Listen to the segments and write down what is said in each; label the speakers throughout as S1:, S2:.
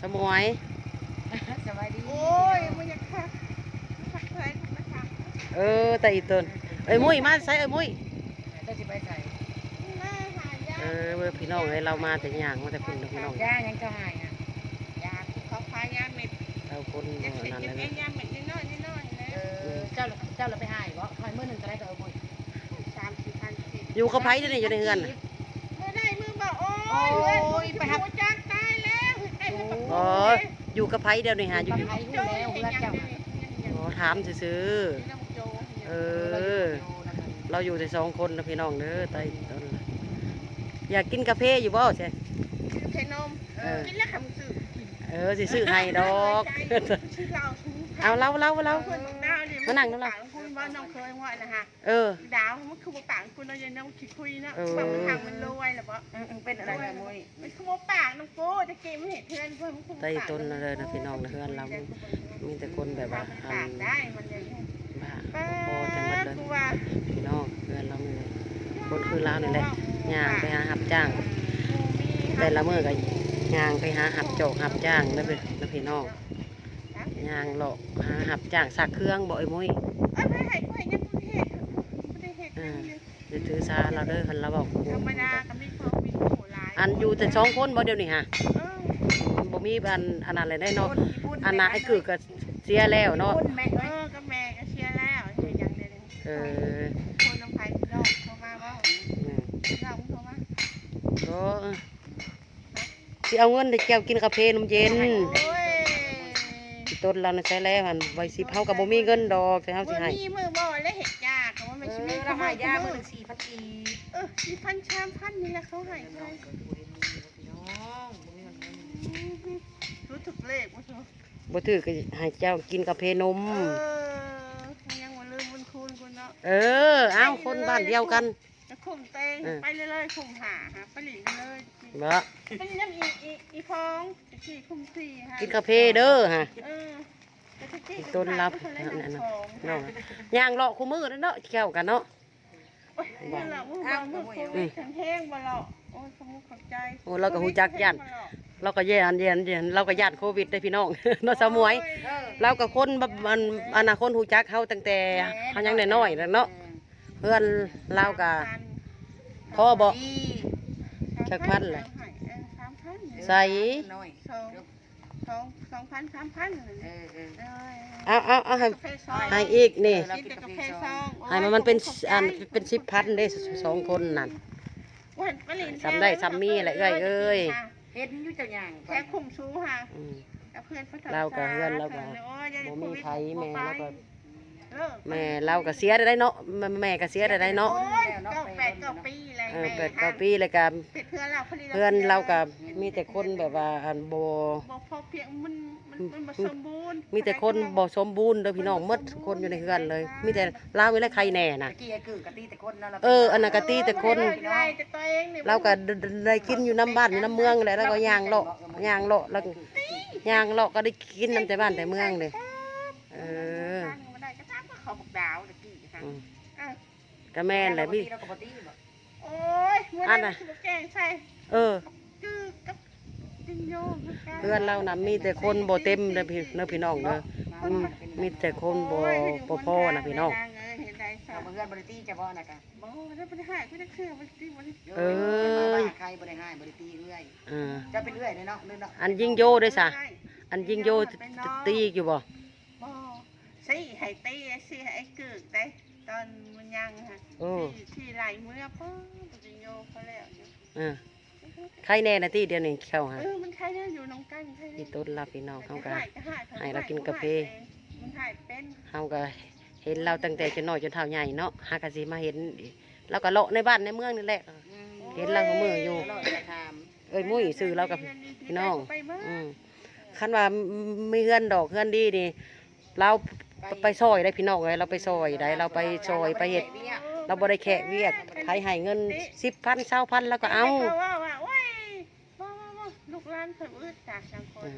S1: สมวย
S2: สบายดี
S3: โอ้ยมันยังคักเลยนะคะ
S1: แต่อีต้นมุ้ยมาใส่มุ้ย
S2: เจ้าสิไปใส่
S3: แม่หายา
S1: เมื่อพี่น้องเรามาแต่ย่างมาแต่คุณพี่น้อง
S2: ย่ายังจะหายอ่ะ
S3: ยาเขาพายาเม็ด
S1: เราคน
S3: ยาเม็ด
S1: นั่น
S3: ยา
S1: เล
S3: เม็
S1: ย
S3: ดยาเม็ดน้อยๆนะ
S2: เจ้าเราไปหายบ่หายเมื่อหนึ่งก็ได้ก็เอาบ่
S3: 3-4,000
S1: อยู่กับไผ่ด้วยนี่อยู่ในเฮือน
S3: เมื่อได้มือบอกโอ้ยไปหักจ้างตายแล้วได้มือบอก
S1: อ๋ออยู่กับไผ่เดียวนี่ฮะอยู่
S2: หายหูแล้วเวลาเจ้า
S1: ถามซื้อเราอยู่แต่2 คนนะพี่น้องเด้อไต่ต้นอยากกินกาแฟอยู่บ่ใช่
S3: เทนมกินแล้วคำสื่อ
S1: สิซื้อให้ดอกเอาเล่า
S3: คนดาวเนี่ยมานั่งแล้วคุณว่าน้องเคยว่านะฮะดาวมันคือปากคุณเราจะน้องคิดคุยนะบางทางมันรวยหรือเปล่า
S2: เป็นอะไรกันมุ้ย
S3: มันคือปากน้องโก้จะเกมไม่เห็นเพื่อนเพื่อนมันคือ
S1: ไต่ต้นเลยนะพี่น้องนะเฮือนเรามีแต่คนแบบว่า
S3: ปากได้มันเลย
S1: บ้าพอจังหวัดเลยพี่น้องเฮือนเราเลยคนคือเราเนี่ยแหละย่างไปหาหับจ้างแต่ละมื้อก็ย่างไปหาหับโจกหับจ้างนะพี่น้องย่างหลอกหาหับจ้างสักเครื่องบ่อยมุ้ย
S3: ไม่ให้ก็ให้ยังไม่ได้เหตุ
S1: จะถือซาเราเด้อคันเราบอก
S3: ธรรมดาก็ไม่พอมีโหลาย
S1: อันอยู่แต่2 คนบ่เดียวนี่ฮะบ่มีอันนั้นเลยได้เนาะอันน่ะไอ้คือก็เสียแล้วเนาะ
S3: ก็แม่ก็เชียร์แล้วอย่างเดียวคนน้ำไผ่ดอกเข้ามาว่าเราเข้ามา
S1: ก็สิเอาเงินไปแก้วกินกาแฟนมเย็นต้นเราใช้แล้วมันไว้10เฮาก็บ่มีเงินดอกแต่เฮาสิให้
S3: มีมือบ่และเห็ดยากว่าไม่ใช่
S2: เราหายยามื้อ4,000กี
S3: 4,000 3,000นี่แหละเขาให้เลยรู้ถึกเลข
S1: บ่ถือก็ให้เจ้ากินกาแฟนม
S3: ยังบ่ลืมบุญคุณคุณเนาะ
S1: เอาคนบ้านเดียวกัน
S3: จะคุมเตงไปเลยคุมหาไปหลีกันเลย
S1: บ่
S3: ไปน้ำอีพองสี่คุมสี่ค่ะ
S1: กินกาแฟเด้อฮะต้นรับนั่นน่ะน้องย่างเลาะคู่มือเนาะแก้วกันเนาะ
S3: บ่ล่ะมือแห้งบ่ล่ะโอ้ยขอบใจ
S1: เราก็ฮู้จักย่านเราก็เราก็ย่านโควิดได้พี่น้องเนาะสมวยเราก็คนอนาคตฮู้จักเฮาตั้งแต่เฮายังน้อยๆแล้วเนาะเพื่อนเราก็พ่อบ่จักพันเลยใส่
S3: 2,000 3,000
S1: เอาให้อีกนี่ให้มันเป็น10,000ได้2 คนนั่นซ้ำได้ซ้ำมีแหละเอ้ย
S2: เฮ็ดอยู่เจ้าหยัง
S3: แค่คุมชูค่ะเพื่อน
S1: เราก็เฮือนเราก็บ่มีไผแม่เราก็เสียได้เนาะแม่ก็เสียได้เนาะ
S3: 8-9 ปีเลย
S1: 8-9 ปีเลยก็เพื่อนเราก็มีแต่คนแบบว่าบ่
S3: พอเพียงมันบ่สมบูรณ์
S1: มีแต่คนบ่สมบูรณ์เด้อพี่น้องหมดคนอยู่ในเฮือนเลยมีแต่ลาวและใครแน่น่ะอันนั้นก็ตีแต่คนเราก็ได้กินอยู่น้ำบ้านอยู่น้ำเมืองแหละแล้วก็ย่างเลาะแล้วย่างเลาะก็ได้กินน้ำแต่บ้านแต่เมืองเลยก็แม่นแหละพี่
S3: โอ้ยอันน่ะแกงใส่คือกับจิงโย
S1: เพื่อนเรานะมีแต่คนบ่เต็มเลยพี่น้องเด้อมีแต่คนบ่พอนะพี่น้อง
S2: เพื่อนบริตี้จะบ่นะกะ
S3: บ่ได้บ่ได้ให้ก็ได้คือบ่ได้ตีบ่ได้
S2: ใครบ่ได้ให้บ่ได้ตีเรื่อยจะเป็นเรื่อยเนาะ
S1: อันยิงโยด้วยซะอันยิงโยตีอยู่บ่
S3: สิให้ตีสิให้กึกได้ตอนมันยังค่ะที่ไหลเมื่อป้อจิงโยเขาแล้ว
S1: ใครแน่นะที่เดียวนี่เข้าฮะ
S3: มันใครเนี่ยอยู่น้องกัน
S1: ที่ต้นรับพี่น้องเขาก็ให้เรากินกาแฟเขาก็เห็นเราตั้งแต่จนน้อยจนเท่าใหญ่เนาะหากะสิมาเห็นเราก็เลาะในบ้านในเมืองนี่แหละเห็นเราก็มืออยู่มุ้ยซื้อเรากับพี่น้องคันว่ามีเฮือนดอกเฮือนดีนี่เราไปซอยได้พี่น้องเลยเราไปซอยได้เราไปซอยไปเห็ดเราบ่ได้แขกเวียกใครให้เงิน10,000 20,000แล้วก็เอา
S3: ลูกหลานเพิ่นอึดจากสังคม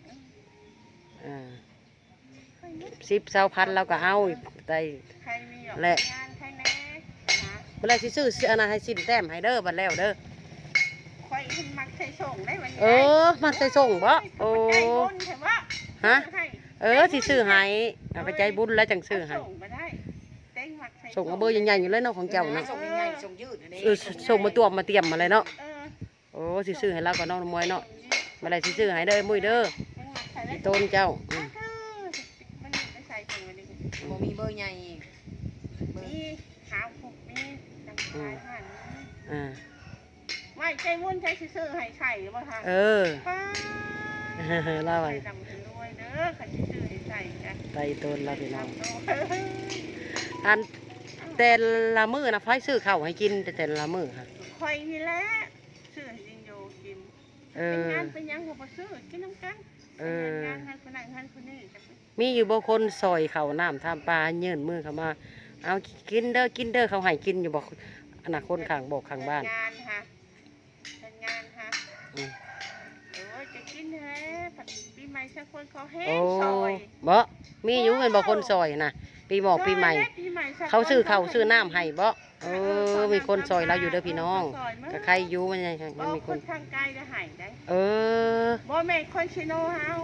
S1: 10,000แล้วก็เอาได้แหละเมื่อไรสิซื้ออันนั้นให้สิ้นแต้มให้เด้อบัดแล้วเด้อ
S3: ค่อยขึ้นมักใส่ส่งได้วันนี้
S1: มักใส่ส่งบ่โอ้
S3: ใจบุญใช่ปะ
S1: ฮะสิซื้อให้เอาไปใจบุญแล้วจังซื้อให้
S3: ส่งมาได้เต้งมักใส่
S1: ส่งเอาเบอร์ใหญ่ๆอยู่เลยเนาะของเจ้าเนาะ
S2: ส่งง่ายๆส่งยืดนี่
S1: ส่งมาตัวมาเตรียมมาเลยเนาะ
S3: เออ
S1: โอ้สิซื้อให้เราก็น้องมวยเนาะมาได้สิซื้อให้เด้อมุ้ยเด้อต้นเจ้า
S3: มันไม่ใส่ถุงวันนี้
S2: บ่มีเบอร์ใหญ่เบอร์
S3: มีขาวผูกมีดังสายห่าน
S1: อ่า
S3: ไม่ใจบุญใจซื้อให้ใส่หรือเปล่าคะ ป้า
S1: เล่าไป
S3: ใส่ดำรวยเด้อขันซื้อให้ใส่จ้ะ
S1: ไตต้นเราพี่น้องอันแต่ละมื้อนะไฟซื้อข้าวให้กินแต่ละมื้อค่ะ
S3: คอยนี่แหละซื้อให้จิงโยกินเป็นงานเป็นยังก็บ่ซื้อกินน้ำกันงานให้คนนั้นให้คนนี้
S1: มีอยู่บ่คนซอยข้าวน้ำทำปลาเยื่นมือเข้ามาเอากินเด้อเขาให้กินอยู่บ่อนาคตข้างบอกข้างบ้าน
S3: งานค่ะเป็นงานค่ะโอ้ยจะกินแท้ปีใหม่สักคนเขาเฮ็ด
S1: โอ้
S3: ซอย
S1: บ่มีอยู่เป็นบ่คนซอยนะปีหมอกปีใหม่เขาซื้อข้าวซื้อน้ำให้บ่มีคนซอยเราอยู่เด้อพี่น้องก็ใครอยู่มันยังมีคน
S3: ทางไกลจะหายได้ บ่แม่นคนชิโนเฮา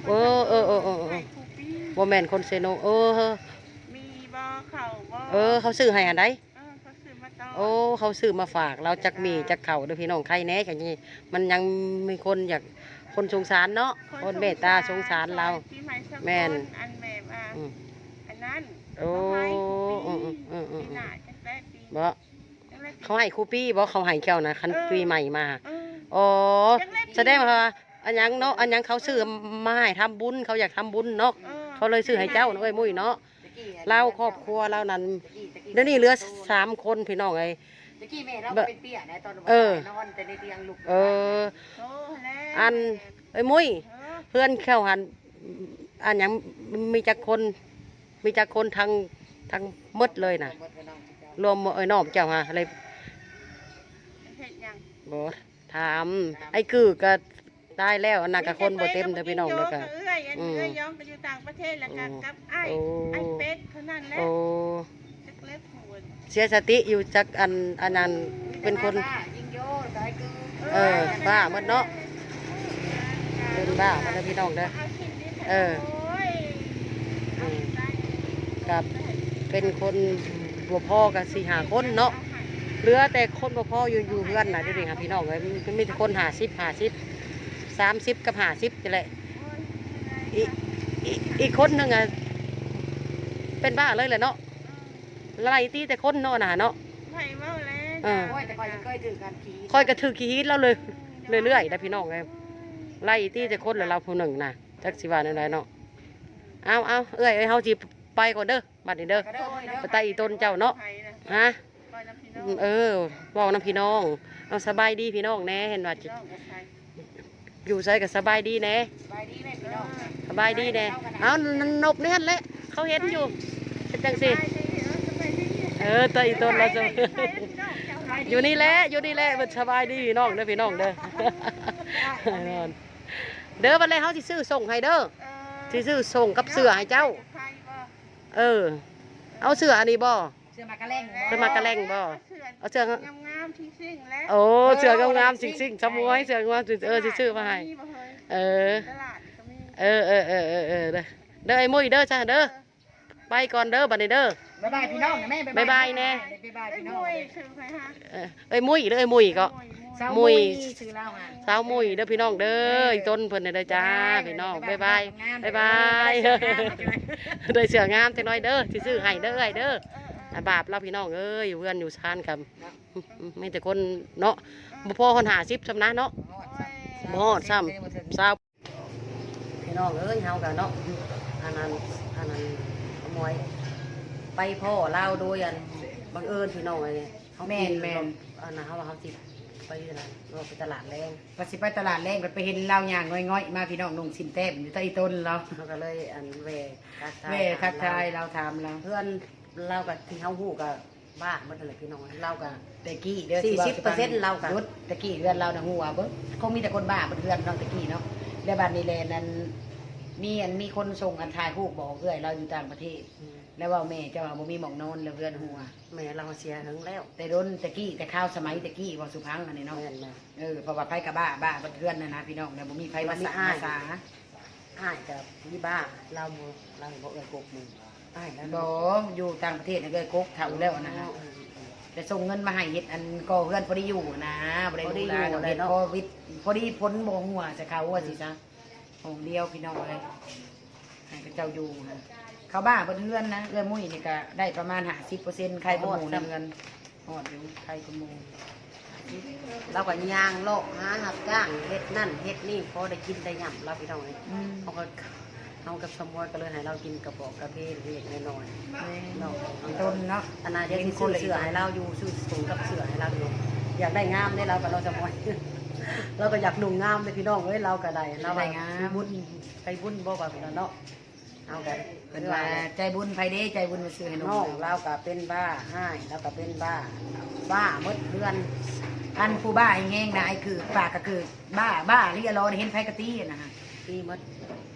S1: บ่แม่นคนเซโน
S3: มีบ่เขาบ่
S1: เขาซื้อให้อันใด
S3: เขาซื้อมาต่อ
S1: เขาซื้อมาฝากเราจักมีจักเข่าเด้อพี่น้องใครแน่กันนี่มันยังมีคนอยากคนสงสารเนาะคนเมตตาสงสารเราแม่น
S3: อันแม่ว่าอันนั้น
S1: บ่เขาให้ครูปี้บ่เขาให้แก้วนะคันปีใหม่มาแสดงว่าอันยังเนาะอันยังเขาซื้อมาให้ทำบุญเขาอยากทำบุญเนาะเขาเลยซื้อให้เจ้าเอ้ยมุ้ยเนาะเราครอบครัวเรานั้นเดี๋ยวนี้เหลือ3 คนพี่น้องไอ้
S2: ตะกี้แม่เราเป็นเตี้ยนะตอนนอนแต่ในเตียงลูก
S1: อันไอ้มุ้ยเพื่อนเข้าหันอันยังมีจักคนทางมดเลยนะรวมน้องเจ้าฮะอะไรบ่ถามไอ้คือก็ตายแล้วอันนั้นก็คนบ่เต็มเด้อพี่น้องเด้อก็
S3: ย้อมไปอยู่ต่างประเทศแล้วกันกับไอ้เป็ดเท่านั้นแหละจักเล็บหัว
S1: เสียสติอยู่จักอันนั้นเป็นคนบ้าหมดเนาะเป็นบ้าหมดเด้อพี่น้องเด้อกับเป็นคนบ่พอกับ4-5 คนเนาะเหลือแต่คนบ่พออยู่เพื่อนน่ะเดี๋ยวนี้ค่ะพี่น้องเอ้ยมีแต่คน30 กับ50นี่แหละอีกคนนึงอ่ะเป็นบ้าเลยแหละเนาะไล่ตีแต่คนเนาะน่ะเนาะ
S2: แต่คอยเคยถือการขี่
S1: คอยกระถือขี้หินแล้วเลยเรื่อยๆนะพี่น้องไงไล่ตีแต่คนแล้วเราผู้หนึ่งนะจักสิว่าอะไรเนาะเอาเอ้ยเฮาสิไปก่อนเด้อบัดนี้เด้อไปไต่อีต้นเจ้าเนาะฮะบอกน้ำพี่น้องเอาสบายดีพี่น้องแน่เห็นว่าอยู่ใส่กับสบายดีแน่สบายดีแน่เอานบเนี่ยแหละเขาเห็นอยู่เป็นจังสิไต่อีต้นเราจะอยู่นี่แหละมันสบายดีพี่น้องเด้อพี่น้องเด้อเด้อวันแรกเขาสิซื้อส่งให้เด้อสิซื้อส่งกับเสื้อให้เจ้าเอาเสื้ออันนี้บ่
S2: เสื้อมากระแลง
S1: บ่เอาเสื้อง
S3: ามๆซิ่งๆแล้ว
S1: เสื้องามๆซิ่งๆชะมวยเสื้องามสิซื้อมาให้เด้อไอ้มุ้ยเด้อจ้าเด้อไปก่อนเด้อบัดนี้เด้อ
S2: บ๊ายบายพี่น้องนะแม่
S1: บ๊ายบายแน่
S2: บ๊ายบายพี่น้อง
S1: ไอ้มุ้ยเด้อไอ้มุ้ยก็มุ้ย
S2: ชื่อเล่าฮะ
S1: สาวมุ้ยเด้อพี่น้องเด้อต้นเพิ่นเด้อจ้าพี่น้องบ๊ายบายได้เสื้องามจังน้อยเด้อสิซื้อให้เด้อเด้อบาปเราพี่น้องเอ้ยเพื่อนอยู่ชานกับไม่แต่คนเนาะบ่พอคน50ซำนะเนาะบ่ฮอดซ้ำสาวพี่น้องเอ้ยเฮากันเนาะอันนั้นขโมยไปพ่อเล่าโดยอันบังเอิญพี่น้องไอ้เขาแม่นอันนั้นเขาสิไปอะไรเราไปตลาดแรง
S2: ไปตลาดแรงไปเห็นเล่าอย่างง่อยๆมาพี่น้องนุ่งสินแต้มอยู่ใต้ต้นเรา
S1: ก็เลยอันเว
S2: ทักทายเราถามเรา
S1: เพื่อนเรากับที่เขาหูกับบ้าเมื่อไหร่พี่น้องเรากับ
S2: ตะกี้เดือน
S1: 40%เรากับ
S2: ตะกี้เดือนเราหนังหัวเบิ้งคงมีแต่คนบ้าเพื่อนเราตะกี้เนาะแล้วบ้านนี้แลนั้นมีคนส่งอันถ่ายรูปบอกเอื้อยเราอยู่ต่างประเทศ แล้วว่าแม่เจ้าว่าบ่มีหมองนอนแล้วเพื่อนหัว
S1: แม่เราเสียหึงแล้ว
S2: แต่โดนตะกี้แต่ข้าวสมัยตะกี้บ่สุพังอันนี้เนาะ
S1: แม่นแม่
S2: เพราะว่าไผกับบ้าเพื่อนนะพี่น้องแล้วบ่มีไผมาสา
S1: อ้ายกับพี่บ้าเราบ่เอ่ยกกมืออ้ายแล้ว
S2: บ่อยู่ต่างประเทศน่ะเอ้ยกกเฒ่าแล้วนะฮะแต่ส่งเงินมาให้เฮ็ดอันก่อเพื่อนพอได้อยู่นะบ่ได้ดูแลได้โควิดพอดีพ้นบ่หัวจะเข้าว่าสิซะห้องเดียวพี่น้องเอ้ยให้พระเจ้าอยู่ฮะเขาบ้าบ่เฮือนนะเอื้อมุ้ยนี่ก็ได้ประมาณ50%ใครบ่หมู่ในเงินฮอดอยู่ใครก็หมู่
S1: เราก็ย่างโลกหาหับจ้างเฮ็ดนั่นเฮ็ดนี่พอได้กินได้หย่ำเราพี่น้องเลยเขากับสมวยก็เลยให้เรากินกระบอกกระเพาะเล็กๆน้อยๆเนาะ
S2: ต้นเนาะ
S1: อนาเดี๋ยวสิซื้อเสื้อให้เราอยู่ซื้อสูงกับเสื้อให้เราอยู่อยากได้งามได้เรากับเราสมวย เราก็อยากนุ่งงามเลยพี่น้องเอ้ยเราก็ได้เราไปบุญไปบุญบ่ว่าพี่น้องเนาะเอากัน
S2: เป็นว่าใจบุญไผเด้ใจบุญมาซื้อให้น้
S1: น้
S2: อ
S1: อง งเราก็เป็นบ้าให้เราก็เป็นบ้าหมดเดือน
S2: อันผู้บ้าไอ้แห้งนะไอ้คือปากก็คือบ้าเรียรอเห็นไผกะตี้นะฮะ
S1: ปีหมด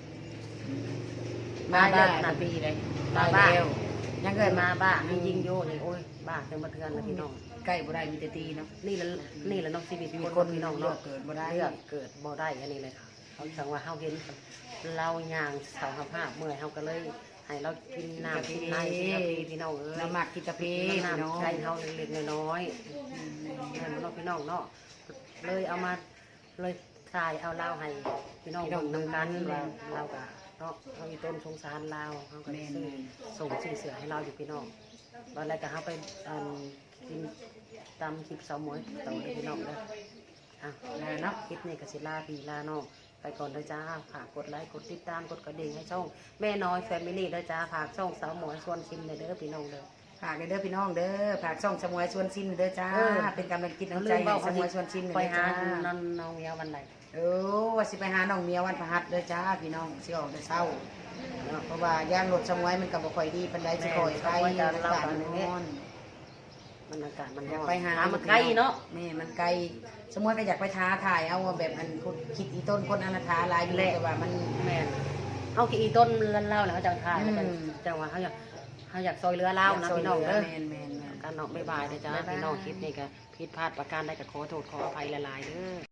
S2: บ้าปีเลยตายแล้วยังเกิด
S1: มาบ้ามียิงโยนี่โอ้ยบ้าเป็นมาเทือนแล้วพี่น้อง
S2: ใกล้บ่ได้มีแต่ตีเนาะ
S1: นี่แหละน้องชีวิต
S2: มี
S1: คน
S2: คน
S1: พี่น้อง
S2: เลือ
S1: เนาะ
S2: กเกิดบ่ได้
S1: เลือกเกิดบ่ได้อันนี้เลยเขาสั่งว่าเฮาเห็นเราย่างเสาภาพเมื่อยเฮาก็เลยให้เรากินน้ำกินไนพี่น้องเอ้ย
S2: น้ำหมักกิตาเพ
S1: น้
S2: เนาะ
S1: ำใช้เฮาเล็กๆน้อยๆนั่นเนาะพี่น้องเนาะเลยเอามาเลยทายเอาเราให้พี่น้องนำกันว่าเราก็เนาะเขามีต้นสงสารเราเขาก็ซื้อส่งซื้อเสือให้เราอยู่พี่น้องวันแรกก็เขาไปกินตามคลิปสาวหมวยต่อพี่น้องเลยอ่ะเนาะคลิปนี้ก็สิลาพี่ลาน้องไปก่อนเลยจ้าฝากกดไลค์กดติดตามกดกระดิ่งให้ช่องแม่น้อยแฟมิลี่ด้วยจ้าฝากช่องสาวหมวยชวนชิมเลยเด้อพี่น้องเด้อ
S2: ฝากเด้อพี่น้องเด้อฝากช่องสมวยชวนซิมเด้อจ้าเป็นกำลังกินน้ำใจให้สมวยชวนซิม
S1: ไป
S2: เด้อ
S1: หา
S2: จ้า
S1: น้องเมียวันไหน
S2: ว่าสิไปหาน้องเมียวันพฤหัสเด้อจ้าพี่น้องสิออกแต่เช้าเพราะว่าย่างรถสมวยมันก็บ่ค่อยดีปานใดสิค่อยไปบ้านนอน
S1: มันอากาศมัน
S2: อยากไปหา
S1: มันใกล้เนาะ
S2: แม่มันไกลสมมติก็อยากไปท้าถ่ายเอาว่าแบบอันคิดอีต้นคนอนาถาลายอยู่แต่ว่ามัน
S1: แม่นเขากี่ต้นเล่าแล้วเขาจะทายจังว่าเขาอยากซอยเรือเล่านะพี่น้องเด้อ
S2: แม่น
S1: การนอกไม่บายนะจ๊ะพี่น้องคลิปนี้ก็ผิดพลาดประการใดก็ขอโทษขออภัยหลายๆเด้อ